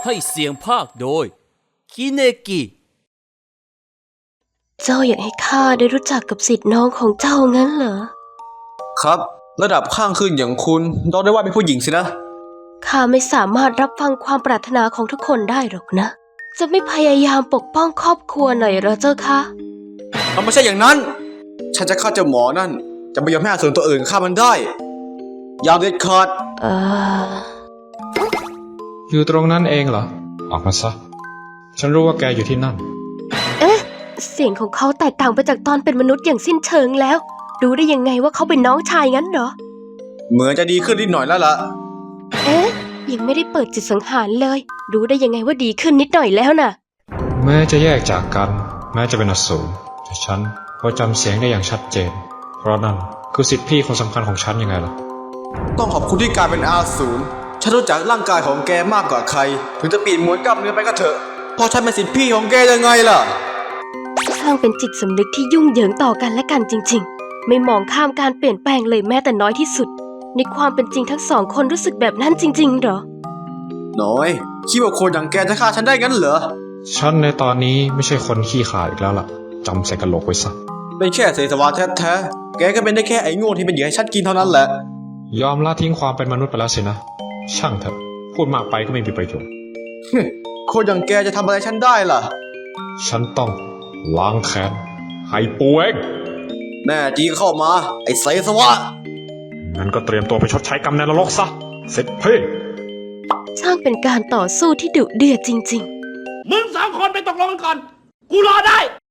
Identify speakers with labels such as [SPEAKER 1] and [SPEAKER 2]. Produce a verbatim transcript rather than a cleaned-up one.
[SPEAKER 1] ให้เสียงภาคโดยคิเนกิ
[SPEAKER 2] เจ้าอยากให้ข้าได้รู้จักกับศิษย์น้องของเจ้างั้นเหรอ
[SPEAKER 3] ครับระดับข้างขึ้นอย่างคุณต้องได้ว่าเป็นผู้หญิงสินะ
[SPEAKER 2] ข้าไม่สามารถรับฟังความปรารถนาของทุกคนได้หรอกนะ จะไม่พยายามปกป้องครอบครัวหน่อยเหรอเจ้าคะ
[SPEAKER 3] มันไม่ใช่อย่างนั้น ฉันจะฆ่าเจ้าหมอนั่น จะไม่ยอมให้อสูรตัวอื่นฆ่ามันได้ยามเด็ดขาด
[SPEAKER 2] เออ
[SPEAKER 4] อยู่ตรงนั้นเองเหรอ ออกมาซะ ฉันรู้ว่าแกอยู่ที่นั่น
[SPEAKER 2] เอ๊ะ เสียงของเขาแตกต่างไปจากตอนเป็นมนุษย์อย่างสิ้นเชิงแล้ว รู้ได้ยังไงว่าเขาเป็นน้องชายงั้นเหรอ
[SPEAKER 3] เหมือนจะดีขึ้นนิดหน่อยแล้วล่ะ
[SPEAKER 2] เอ๊ะ ยังไม่ได้เปิดจิตสังหารเลย รู้ได้ยังไงว่าดีขึ้นนิดหน่อยแล้วน่ะ
[SPEAKER 4] แม้จะแยกจากกัน แม้จะเป็นอสูรแต่ฉันพอจำเสียงได้อย่างชัดเจน เพราะนั่นคือสิทธิพี่คนสำคัญของฉันยังไงล่ะ
[SPEAKER 3] ต้องขอบคุณที่กลายเป็นอาสูรฉันรู้จักร่างกายของแกมากกว่าใคร ถึงจะปีนมวนกล้ามเนื้อไปก็เถอะเพราะฉันเป็นสิทธิพี่ของแกยังไงล่ะ
[SPEAKER 2] ช่างเป็นจิตสำนึกที่ยุ่งเหยิงต่อกันและกันจริงๆ ไม่มองข้ามการเปลี่ยนแปลงเลยแม้แต่น้อยที่สุด ในความเป็นจริงทั้งสองคนรู้สึกแบบนั้นจริงๆเหรอ
[SPEAKER 3] น้อยคิดว่าคนอย่างแกจะฆ่าฉันได้งั้นเหรอ
[SPEAKER 4] ฉันในตอนนี้ไม่ใช่คนขี้ขลาดอีกแล้วล่ะจำใส่กระโหลกไว้ซะ
[SPEAKER 3] เป็นแค่เศษสวะแท้ๆแกก็เป็นได้แค่ไอ้โง่ที่เป็นเหยื่อให้ฉันกินเท่านั้นแหละ
[SPEAKER 4] ยอมละทิ้งความเป็นมนุษย์ไปแล้วสินะ ช่างเถอะ พูดมากไปก็ไม่มีประโยชน์
[SPEAKER 3] คนอย่างแกจะทำอะไรฉันได้ล่ะ
[SPEAKER 4] ฉันต้องล้างแค้นให้ปูเอง
[SPEAKER 3] แน่จริงเข้ามา ไอ้เศษสวะ
[SPEAKER 4] งั้นก็เตรียมตัวไปชดใช้กรรมในนรกซะเสร็จเพ่
[SPEAKER 2] ช่างเป็นการต่อสู้ที่ดุเดือดจริง
[SPEAKER 1] มึงสองคนไปตกลงกันก่อน กูรอได้